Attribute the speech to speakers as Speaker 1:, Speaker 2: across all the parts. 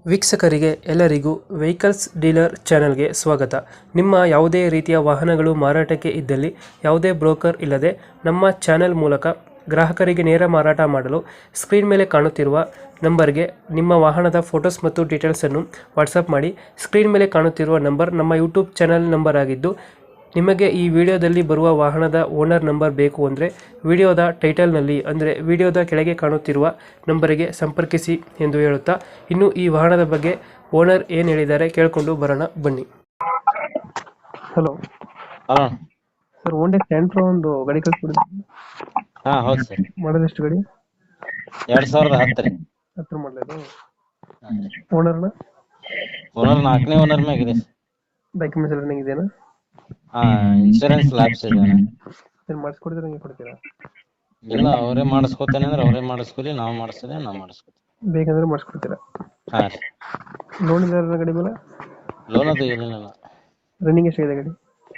Speaker 1: ವೀಕ್ಷಕರಿಗೆ ಎಲ್ಲರಿಗೂ vehicles dealer ಚಾನೆಲ್ಗೆ ಸ್ವಾಗತ. ನಿಮ್ಮ ಯಾವುದೇ ರೀತಿಯ ವಾಹನಗಳು ಮಾರಾಟಕ್ಕೆ ಇದ್ದಲ್ಲಿ ಯಾವುದೇ ಬ್ರೋಕರ್ ಇಲ್ಲದೆ ನಮ್ಮ ಚಾನೆಲ್ ಮೂಲಕ ಗ್ರಾಹಕರಿಗೆ ನೇರ ಮಾರಾಟ ಮಾಡಲು ಸ್ಕ್ರೀನ್ ಮೇಲೆ ಕಾಣುತ್ತಿರುವ ನಂಬರ್ಗೆ ನಿಮ್ಮ ವಾಹನದ ಫೋಟೋಸ್ ಮತ್ತು ಡೀಟೇಲ್ಸನ್ನು ವಾಟ್ಸಪ್ ಮಾಡಿ. ಸ್ಕ್ರೀನ್ ಮೇಲೆ ಕಾಣುತ್ತಿರುವ ನಂಬರ್ ನಮ್ಮ ಯೂಟ್ಯೂಬ್ ಚಾನೆಲ್ ನಂಬರ್ ಆಗಿದ್ದು, ನಿಮಗೆ ಈ ವಿಡಿಯೋದಲ್ಲಿ ಬರುವ ವಾಹನದ ಓನರ್ ನಂಬರ್ ಬೇಕು ಅಂದರೆ ವಿಡಿಯೋದ ಟೈಟಲ್ನಲ್ಲಿ ಅಂದರೆ ವಿಡಿಯೋದ ಕೆಳಗೆ ಕಾಣುತ್ತಿರುವ ನಂಬರಿಗೆ ಸಂಪರ್ಕಿಸಿ ಎಂದು ಹೇಳುತ್ತಾ, ಇನ್ನು ಈ ವಾಹನದ ಬಗ್ಗೆ ಓನರ್ ಏನು ಹೇಳಿದ್ದಾರೆ ಕೇಳಿಕೊಂಡು ಬರೋಣ ಬನ್ನಿ. Hello
Speaker 2: hello.
Speaker 1: Sir, Honda Santro ಒಂದು ಗಾಡಿ ಕಳಿಸ್ಬಿಡಿ.
Speaker 2: ಹಾ ಹೌದು ಸರ್.
Speaker 1: ಮಾಡಲ್ ಎಷ್ಟು ಗಾಡಿ?
Speaker 2: 2010 ರೀ.
Speaker 1: 10 ಮಾಡಲದು. ಓನರ್ನ
Speaker 2: ಓನರ್ 4ನೇ ಓನರ್ ಮ್ಯಾಗಿದೆ.
Speaker 1: ಡಾಕ್ಯುಮೆಂಟ್ಸ್ ಎಲ್ಲ ರನ್ನಿಂಗ್ ಇದೆಯಾ?
Speaker 2: ಹಾ, ಇನ್ಶೂರೆನ್ಸ್ ಲ್ಯಾಬ್ಸ್ ಇದೆ.
Speaker 1: ಸರ್, ಮಾಡಿಸ್ಕೊಡ್ತೀರಾ ಹಂಗೆ ಕೊಡ್ತೀರಾ?
Speaker 2: ಇಲ್ಲ, ಅವರೇ ಮಾಡಿಸ್ಕೊತೇನೆ ಅಂದ್ರೆ ಅವರೇ ಮಾಡಿಸ್ಕೊಲಿ, ನಾವು ಮಾಡಿಸ್ತೇನೆ ನಾವು ಮಾಡಿಸ್ಕೊತೀವಿ.
Speaker 1: ಬೇಕಂದ್ರೆ ಮಾಡಿಸ್ಕೊಡ್ತೀರಾ?
Speaker 2: ಹಾ ರೀ.
Speaker 1: ಲೋನ್ ಇಲ್ಲ ಗಾಡಿ ಮೇಲೆ?
Speaker 2: ಲೋನ್ ಅದು ಏನಿಲ್ಲ.
Speaker 1: ರನ್ನಿಂಗ್ ಎಷ್ಟಾಗಿದೆ ಗಾಡಿ?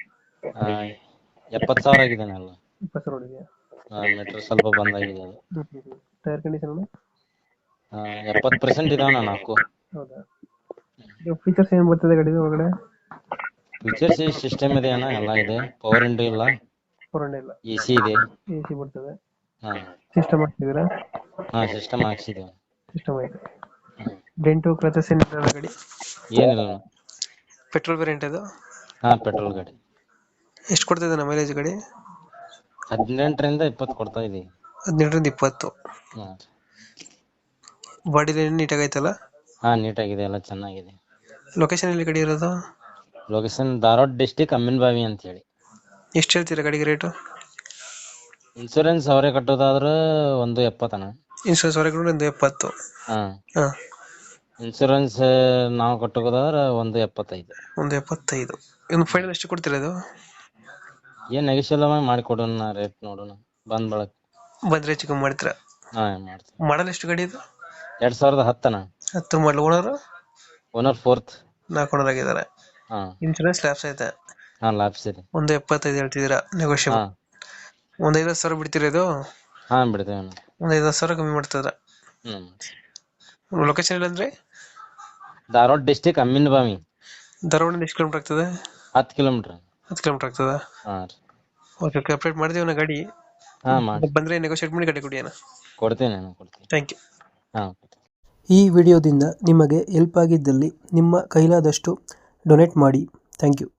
Speaker 2: 70,000 ಆಗಿದೆ ಎಲ್ಲ.
Speaker 1: 20 ರೋಡ್ ಇದೆಯಾ?
Speaker 2: ಮೀಟರ್ ಸ್ವಲ್ಪ ಬಂದಾಗಿದೆ ಅದು.
Speaker 1: ಟೈರ್ ಕಂಡೀಷನ್
Speaker 2: 70% ಇದಾವಣ್ಣ 4.
Speaker 1: ಹೌದಾ? ಫೀಚರ್ಸ್ ಏನು ಬರ್ತದೆ ಗಾಡಿ ಒಳಗಡೆ?
Speaker 2: ಫೀಚರ್ಸ್ ಸಿಸ್ಟಮ್ ಇದೆ ಅಣ್ಣ, ಎಲ್ಲ ಇದೆ. ಪವರ್ ವಿಂಡೋ ಇಲ್ಲ,
Speaker 1: ಫೋರ್ ಇಲ್ಲ,
Speaker 2: AC ಇದೆ.
Speaker 1: AC ಬರ್ತದೆ.
Speaker 2: ಹಾ
Speaker 1: ಸಿಸ್ಟಮ್ ಹಾಕ್ತಿದ್ದೀರಾ?
Speaker 2: ಹಾ, ಸಿಸ್ಟಮ್ ಹಾಕ್ಸಿದ್ದೇವೆ.
Speaker 1: ಸಿಸ್ಟಮ್ ಆಯ್ತು. ಡೆಂಟು ಕ್ರಚಸ್ ಏನಿಲ್ಲ ಗಾಡಿ?
Speaker 2: ಏನಿಲ್ಲ.
Speaker 1: ಪೆಟ್ರೋಲ್ ವೇರಿಯಂಟ್ ಅದು?
Speaker 2: ಹಾ, ಪೆಟ್ರೋಲ್ ಗಾಡಿ.
Speaker 1: ಎಷ್ಟು ಕೊಡ್ತಿದೆ ನಮ್ಮ ಮೈಲೇಜ್ ಗಾಡಿ?
Speaker 2: 18ರಿಂದ 20 ಕೊಡ್ತಾ ಇದೀವಿ.
Speaker 1: 18ರಿಂದ 20.
Speaker 2: ಹಾ.
Speaker 1: ಬಾಡಿ ಲೈನ್ ನೀಟಾಗಿ ಐತಲ್ಲ?
Speaker 2: ಹಾ, ನೀಟಾಗಿದೆ, ಎಲ್ಲ ಚೆನ್ನಾಗಿದೆ.
Speaker 1: ಲೊಕೇಶನ್ ಎಲ್ಲಿ ಗಾಡಿ ಇರೋದು?
Speaker 2: ಲೊಕೇಶನ್ ಧಾರವಾಡ ಡಿಸ್ಟಿಕ್ ಅಮ್ಮಿನಬಾವಿ ಅಂತ ಹೇಳಿ.
Speaker 1: ಎಷ್ಟು ಹೇಳ್ತೀರಾ ಗಾಡಿಗೆ ರೇಟು?
Speaker 2: ಇನ್ಶೂರೆನ್ಸ್ ಅವರೇ ಕಟ್ಟೋದಾದ್ರೆ 170 ಅಣ್ಣ.
Speaker 1: ಇನ್ಶೂರೆನ್ಸ್ ಹೊರಗೆ ಒಂದು 70.
Speaker 2: ಹಾ,
Speaker 1: ಹಾಂ,
Speaker 2: ಇನ್ಶೂರೆನ್ಸ್ ನಾವು ಕಟ್ಟೋದಾದ್ರೆ 175.
Speaker 1: 175. ಇನ್ನು ಫೈನಲ್ ಎಷ್ಟು ಕೊಡ್ತೀರಾ ಅದು?
Speaker 2: ಏನ್ ನೆಗೆಷಿಯಲ್ ಮಾಡಿ ಕೊಡೋಣ, ರೇಟ್ ನೋಡೋಣ ಬಂದ್ ಬಳಕ.
Speaker 1: ಬಂದ್ರೆ ಹೆಚ್ಚು ಕಮ್ಮಿ ಮಾಡ್ತೀರಾ?
Speaker 2: ಹಾ, ಮಾಡ್ತೀವಿ.
Speaker 1: ಮಾಡಲ್ ಎಷ್ಟು ಗಾಡಿ ಇದು?
Speaker 2: 2010 ಅಣ್ಣ.
Speaker 1: 10 ಮಾಡಲ್. ಓನರ್?
Speaker 2: Owner 4th.
Speaker 1: 4 ಓನರ್ ಆಗಿದ್ದಾರೆ.
Speaker 2: ಹಾ.
Speaker 1: ಇನ್ಶೂರೆನ್ಸ್ ಲ್ಯಾಪ್ಸ್ ಐತೆ?
Speaker 2: ಹಾ, ಲ್ಯಾಬ್ಸ್ ಇದೆ.
Speaker 1: 175 ಹೇಳ್ತಿದ್ದೀರಾ, ನೆಗೋಷಿಯಬಲ್.
Speaker 2: ಹಾ.
Speaker 1: ಒಂದು 50,000 ಬಿಡ್ತೀರಾ ಇದು?
Speaker 2: ಹಾ, ಬಿಡ್ತೇವೆ ಅಣ್ಣ.
Speaker 1: ಒಂದು 50,000 ಕಮ್ಮಿ ಮಾಡ್ತಿದ್ರ. ಲೊಕೇಶನ್ ಇಲ್ಲ ಅಂದ್ರೆ?
Speaker 2: ಧಾರವಾಡ ಡಿಸ್ಟಿಕ್ ಅಮ್ಮಿನಬಾವಿ.
Speaker 1: ಧಾರವಾಡ ಎಷ್ಟು ಕಿಲೋಮೀಟರ್ ಆಗ್ತದೆ?
Speaker 2: 10 ಕಿಲೋಮೀಟರ್.
Speaker 1: 10 ಕಿಲೋಮೀಟರ್ ಆಗ್ತದ?
Speaker 2: ಹಾ.
Speaker 1: ಓಕೆ, ಅಪ್ಡೇಟ್ ಮಾಡಿದೀವಿ ನಾ ಗಾಡಿ.
Speaker 2: ಹಾ, ಮಾಡಿ
Speaker 1: ಬಂದ್ರೆ ನೆಗೋಷಿಯೇಟ್ ಮಾಡಿ ಗಾಡಿ ಕೊಡಿ ಅಣ್ಣ.
Speaker 2: ಕೊಡ್ತೇನೆ ಅಣ್ಣ, ಕೊಡ್ತೇನೆ.
Speaker 1: Thank you.
Speaker 2: ಹಾ.
Speaker 1: ಈ ವಿಡಿಯೋದಿಂದ ನಿಮಗೆ ಹೆಲ್ಪ್ ಆಗಿದ್ದಲ್ಲಿ ನಿಮ್ಮ ಕೈಲಾದಷ್ಟು ಡೊನೇಟ್ ಮಾಡಿ. Thank you.